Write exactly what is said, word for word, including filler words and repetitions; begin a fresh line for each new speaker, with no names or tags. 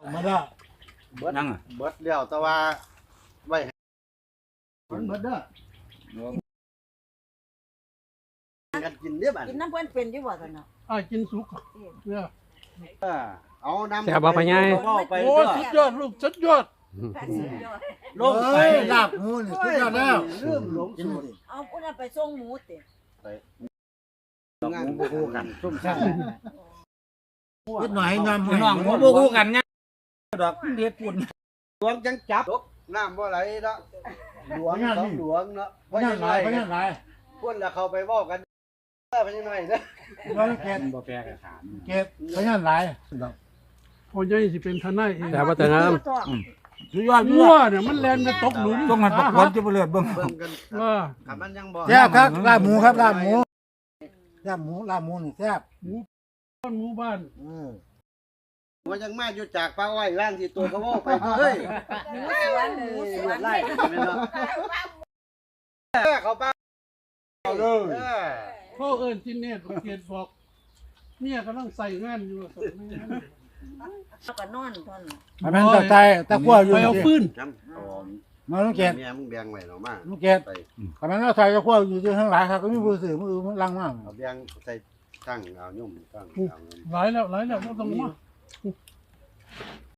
มาแล้ว
เบิด
นั่งอ่ะ
เบิดเลี้ยวแต่ว่าไว้
มันเบิดเด้อ
ให้กันกินเด้อบัด
กินน้ำเพื่อนเป็นอยู่บ่ตอนนั้น
อ้ายกินสุกเนี่ย
เออเอาน้ำ
แซ่บบ่พ่อใหญ่
เอาไป
โอ้
เด้อ
สุดยอดลูกสุดยอด
ลงไป
เอ้ยลาบหมูนี่สุดยอดแล้ว
ลืมหลง
กิน
สูตร
ดิ
เอาพุ่นนะไปส่งหมูติ
งานบ่คู่กันซุ่มซ่าม
นิดหน่อยให้น้ำ
พี่น้องบ่คู่กันไงดอกเฮ็ดปุ่น
หลวงจังจับน้ำบ่ไหลเนาะหลวงสองหลวงเนาะ
พยันหลายพยันหลาย
พวกเราเข้าไปเว้ากันเด้อพะยังไงเด้อ
เราเก็บ
บ่แพ้กับขาม
เก็บพยันหลาย
พ่อใหญ่สิเป็นทนายเอง
แต่ว่าแต่น้ำสุดยอด
งั
มั่
ว
ว
เนี่ยมันแล่นไปตกหลุม
ต้องมันประกวนจะบ่เลือดเบิ่ง
เบิ่งกัน
เออ
ครับมันยังบ่
แซ่บครับลาบหมูครับลาบหมูลาบหมูลาบหมูนี่แซ่บ
บ้านหมู่บ้าน
อืม
ว่ายังมาอยู่จากป้าอ้อยร่างที่ตัวเขาเว้าไปเฮ้ย
หมูสวนหมูสวน
ไล่แม่นเนาะเออเขาป้าเอาเลยเออ
พ่อเอิญที่เนตรเกียรติบอกเนี่ยกำลังใส่งานอยู่สองงาน
แล้วก็นอนตอนนั้น
มันเป็นตะไคร้ตะกั่วอยู่
ไปเอาปืน
น้ำหอม
มาลูกเก็บ
เมียมึงแบงไว้เนาะมา
ลูกเก็บ
ไป
แต่มันเราใส่ตะกั่วอยู่ที่ข้างหลังครับก็มีผู้สื่อมือมันลังมาก
เอาแบงใส่ตั้งเอายุ่มตั้งเอาเงิน
หลายแล้วหลายแล้วเราต้องมา